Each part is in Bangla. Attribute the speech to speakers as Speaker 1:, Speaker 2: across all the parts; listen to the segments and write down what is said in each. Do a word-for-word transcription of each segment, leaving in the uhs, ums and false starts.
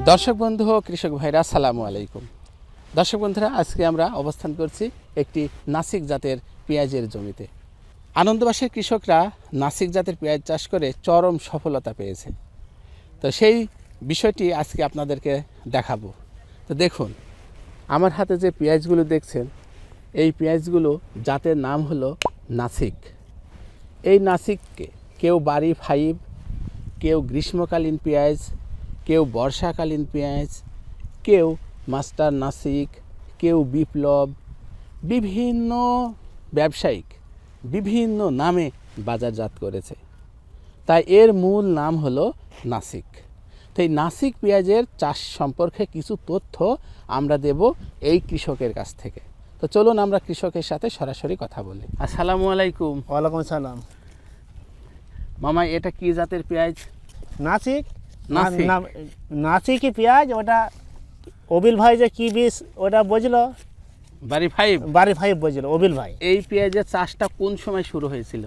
Speaker 1: দর্শক বন্ধু ও কৃষক ভাইরা আসসালামু আলাইকুম। দর্শক বন্ধুরা, আজকে আমরা অবস্থান করছি একটি নাসিক জাতের পেঁয়াজের জমিতে। আনন্দবাসের কৃষকরা নাসিক জাতের পেঁয়াজ চাষ করে চরম সফলতা পেয়েছে। তো সেই বিষয়টি আজকে আপনাদেরকে দেখাবো। তো দেখুন, আমার হাতে যে পেঁয়াজগুলো দেখছেন, এই পেঁয়াজগুলো জাতের নাম হলো নাসিক। এই নাসিককে কেউ বাড়ি ফাইভ, কেউ গ্রীষ্মকালীন পেঁয়াজ, কেউ বর্ষাকালীন পেঁয়াজ, কেউ মাস্টার নাসিক, কেউ বিপ্লব, বিভিন্ন ব্যবসায়িক বিভিন্ন নামে বাজারজাত করেছে। তাই এর মূল নাম হলো নাসিক। তো এই নাসিক পেঁয়াজের চাষ সম্পর্কে কিছু তথ্য আমরা দেব এই কৃষকের কাছ থেকে। তো চলুন আমরা কৃষকের সাথে সরাসরি কথা বলি। আসসালামু আলাইকুম।
Speaker 2: ওয়ালাইকুম সালাম।
Speaker 1: মামা, এটা কি জাতের পেঁয়াজ?
Speaker 2: নাসিক
Speaker 1: নাসিক
Speaker 2: নাসিকি পেঁয়াজ। ওটা অবিল ভাই যে কি বীজ ওটা বুঝলো,
Speaker 1: বাড়ি ফাইভ
Speaker 2: বাড়ি ফাইভ বুঝলো অবিল ভাই।
Speaker 1: এই পেঁয়াজের চাষটা কোন সময় শুরু হয়েছিল?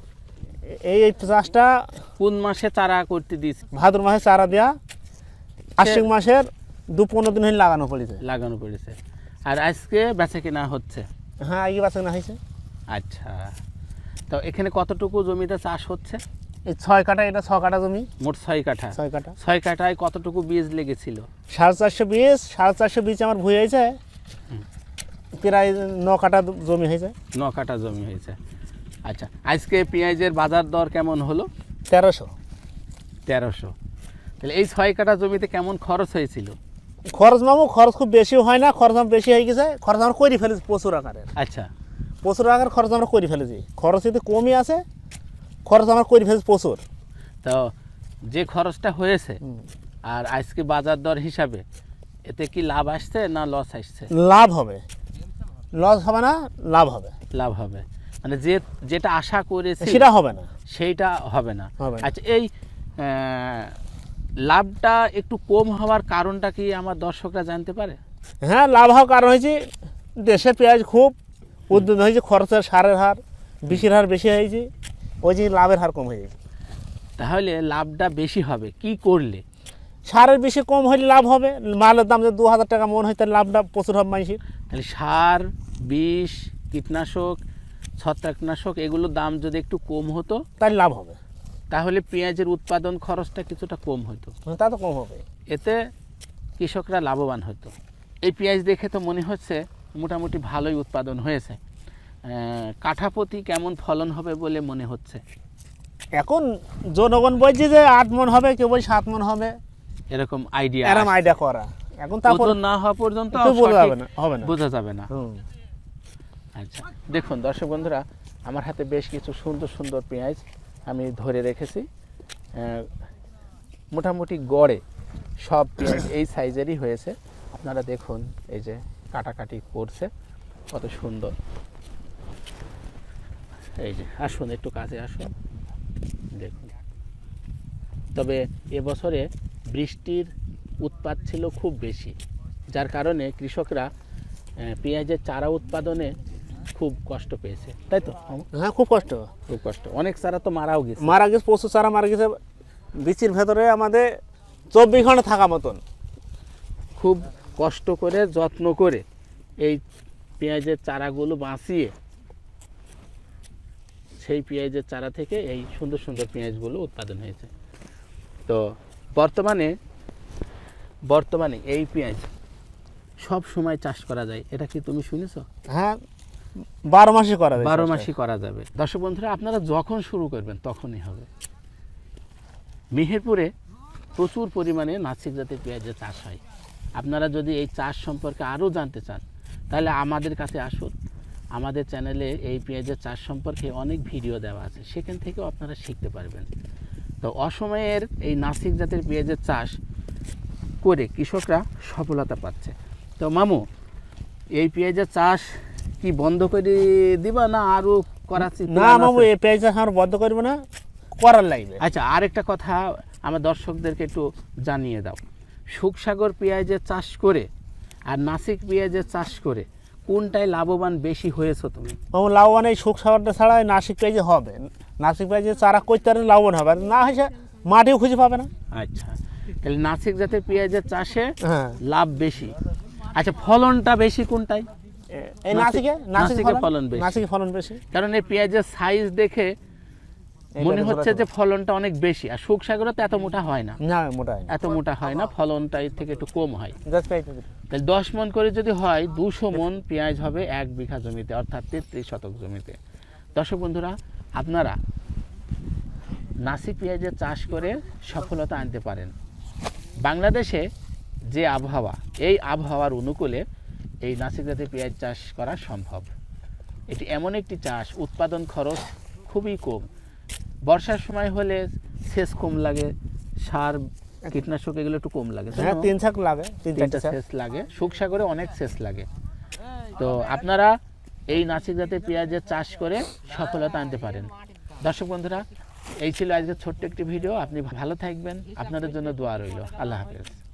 Speaker 2: এই এই চাষটা
Speaker 1: কোন মাসে চারা করতে দিয়েছে?
Speaker 2: ভাদ্র মাসে চারা দেওয়া, আশ্বিন মাসের দু পনেরো দিন হয়ে লাগানো পড়েছে
Speaker 1: লাগানো পড়েছে আর আজকে বেচা কিনা হচ্ছে?
Speaker 2: হ্যাঁ, আগে বাঁচা না হয়েছে।
Speaker 1: আচ্ছা, তো এখানে কতটুকু জমিতে চাষ হচ্ছে?
Speaker 2: এই ছয় কাঠা, এটা ছ কাঠা জমি।
Speaker 1: মোট ছয় কাঠা।
Speaker 2: ছয় কাঠা
Speaker 1: ছয় কাঠায় কতটুকু বীজ লেগেছিল?
Speaker 2: সাড়ে চারশো বীজ সাড়ে চারশো বীজ আমার ভুয়ে হয়েছে, প্রায় ন কাঠা জমি হয়েছে।
Speaker 1: ন কাঠা জমি হয়েছে। আচ্ছা, আজকে পেঁয়াজের বাজার দর কেমন হলো?
Speaker 2: তেরোশো
Speaker 1: তেরোশো। তাহলে এই ছয় কাঠা জমিতে কেমন খরচ হয়েছিল?
Speaker 2: খরচ মামু খরচ খুব বেশি হয় না, খরচ আমার বেশি হয়ে গেছে। খরচ আমরা করে ফেলেছি প্রচুর আকারের।
Speaker 1: আচ্ছা,
Speaker 2: প্রচুর আকার খরচ আমরা করে ফেলেছি। খরচ যদি কমই আছে, খরচ আমরা করে ফেলেছি প্রচুর।
Speaker 1: তো যে খরচটা হয়েছে আর আজকে বাজার দর হিসাবে এতে কি লাভ আসছে না লস আসছে?
Speaker 2: লাভ হবে, লস হবে না, লাভ হবে।
Speaker 1: লাভ হবে, মানে যে যেটা আশা করেছি
Speaker 2: সেটা হবে না,
Speaker 1: সেইটা হবে না।
Speaker 2: হবে না।
Speaker 1: আচ্ছা, এই আহ, লাভটা একটু কম হওয়ার কারণটা কি আমার দর্শকরা জানতে পারে?
Speaker 2: হ্যাঁ, লাভ হওয়ার কারণ হয়েছে দেশের পেঁয়াজ খুব উদ্যোগ হয়েছে, খরচের সারের হার বেশির হার বেশি হয়েছে, ওই যে লাভের হার কম হয়ে গেছে।
Speaker 1: তাহলে লাভটা বেশি হবে কি করলে?
Speaker 2: সারের বেশি কম হলে লাভ হবে। মালের দাম যদি দু হাজার টাকা মন হয়, তাহলে লাভটা প্রচুর হবে মানুষের।
Speaker 1: তাহলে সার, বিষ, কীটনাশক, ছত্রাকনাশক এগুলোর দাম যদি একটু কম হতো
Speaker 2: তাহলে লাভ হবে,
Speaker 1: তাহলে পেঁয়াজের উৎপাদন খরচটা কিছুটা কম হতো।
Speaker 2: তা তো কম হবে,
Speaker 1: এতে কৃষকরা লাভবান হতো। এই পেঁয়াজ দেখে তো মনে হচ্ছে মোটামুটি ভালোই উৎপাদন হয়েছে। কাঠাপ্রতি কেমন ফলন হবে বলে মনে হচ্ছে?
Speaker 2: এখন জনগণ বলছে যে আট মন হবে, কেউ বলছে সাত মন হবে,
Speaker 1: এরকম আইডিয়া
Speaker 2: এরকম আইডিয়া করা। এখন তারপর
Speaker 1: না হওয়া পর্যন্ত
Speaker 2: বোঝা যাবে না, হবে না,
Speaker 1: বোঝা যাবে না।
Speaker 2: হুম।
Speaker 1: আচ্ছা, দেখুন দর্শক বন্ধুরা, আমার হাতে বেশ কিছু সুন্দর সুন্দর পেঁয়াজ আমি ধরে রেখেছি। মোটামুটি গড়ে সব পেঁয়াজ এই সাইজেরই হয়েছে। আপনারা দেখুন, এই যে কাটাকাটি করছে কত সুন্দর। এই যে আসুন, একটু কাছে আসুন, দেখুন। তবে এবছরে বৃষ্টির উৎপাত ছিল খুব বেশি, যার কারণে কৃষকরা পেঁয়াজের চারা উৎপাদনে খুব কষ্ট পেয়েছে, তাই তো?
Speaker 2: হ্যাঁ, খুব কষ্ট,
Speaker 1: খুব কষ্ট। অনেক চারা তো মারাও গেছে।
Speaker 2: মারা গেছে, প্রচুর চারা মারা গেছে। বীচির ভেতরে আমাদের চব্বিশ ঘন্টা থাকা মতন।
Speaker 1: খুব কষ্ট করে যত্ন করে এই পেঁয়াজের চারাগুলো বাঁচিয়ে সেই পেঁয়াজের চারা থেকে এই সুন্দর সুন্দর পেঁয়াজগুলো উৎপাদন হয়েছে। তো বর্তমানে বর্তমানে এই পেঁয়াজ সব সময় চাষ করা যায়, এটা কি তুমি শুনেছো?
Speaker 2: হ্যাঁ, বারো মাসে করা যায়,
Speaker 1: বারো মাসই করা যাবে। দর্শক বন্ধুরা, আপনারা যখন শুরু করবেন তখনই হবে। মেহেরপুরে প্রচুর পরিমাণে নাসিক জাতের পেঁয়াজের চাষ হয়। আপনারা যদি এই চাষ সম্পর্কে আরও জানতে চান, তাহলে আমাদের কাছে আসুন। আমাদের চ্যানেলে এই পেঁয়াজের চাষ সম্পর্কে অনেক ভিডিও দেওয়া আছে, সেখান থেকেও আপনারা শিখতে পারবেন। তো অসময়ের এই নাসিক জাতের পেঁয়াজের চাষ করে কৃষকরা সফলতা পাচ্ছে। তো মামু, এই পেঁয়াজের চাষ কি বন্ধ করে দিবা না আরও করার?
Speaker 2: না মামু, এই পেঁয়াজ চাষ আমরা বন্ধ করবো না, করার লাগবে।
Speaker 1: আচ্ছা, আরেকটা কথা আমার দর্শকদেরকে একটু জানিয়ে দাও। শুকসাগর পেঁয়াজের চাষ করে আর নাসিক পেঁয়াজের চাষ করে কোনটায় লাভবান বেশি হয়েছো তুমি?
Speaker 2: মামু, লাভবান এই শুকসাগরটা ছাড়া নাসিক পেঁয়াজে হবে। নাসিক পেঁয়াজের চারা করতে পারলে লাভবান হবে, আর না হয়েছে মাটিও খুঁজে পাবে না।
Speaker 1: আচ্ছা, তাহলে নাসিক জাতের পেঁয়াজের চাষে
Speaker 2: হ্যাঁ
Speaker 1: লাভ বেশি। আচ্ছা, ফলনটা বেশি কোনটাই?
Speaker 2: এই নাসিকে
Speaker 1: নাসিকে
Speaker 2: নাসিকে
Speaker 1: ফলন বেশি।
Speaker 2: নাসিকে ফলন বেশি,
Speaker 1: কারণ এই পেঁয়াজের সাইজ দেখে মনে হচ্ছে যে ফলনটা অনেক বেশি, আর শুকসাগরে তো এত মোটা হয় না,
Speaker 2: না মোটা হয় না।
Speaker 1: এত মোটা হয় না, ফলনটা এর থেকে একটু কম হয়।
Speaker 2: দশ পাইতে দিন।
Speaker 1: তাহলে দশ মন করে যদি হয় দুশো মন পেঁয়াজ হবে এক বিঘা জমিতে, অর্থাৎ তেত্রিশ শতক জমিতে। দর্শক বন্ধুরা, আপনারা নাসিক পেঁয়াজের চাষ করে সফলতা আনতে পারেন। বাংলাদেশে যে আবহাওয়া, এই আবহাওয়ার অনুকূলে এই নাসিক জাতের পেঁয়াজ চাষ করা সম্ভব। এটি এমন একটি চাষ, উৎপাদন খরচ খুবই কম। বর্ষার সময় হলে সেচ কম লাগে, সার কীটনাশক এগুলো একটু কম লাগে, তাই
Speaker 2: হ্যাঁ
Speaker 1: না?
Speaker 2: তিন ছাক লাগে, তিন
Speaker 1: তিনটা
Speaker 2: চারটে ছাক।
Speaker 1: সেচ লাগে, শুকসাগরে অনেক সেচ লাগে। তো আপনারা এই নাসিক জাতের পেঁয়াজের চাষ করে সফলতা আনতে পারেন। দর্শক বন্ধুরা, এই ছিল আজকে ছোট্ট একটি ভিডিও। আপনি ভালো থাকবেন, আপনাদের জন্য দোয়া রইল। আল্লাহ হাফেজ।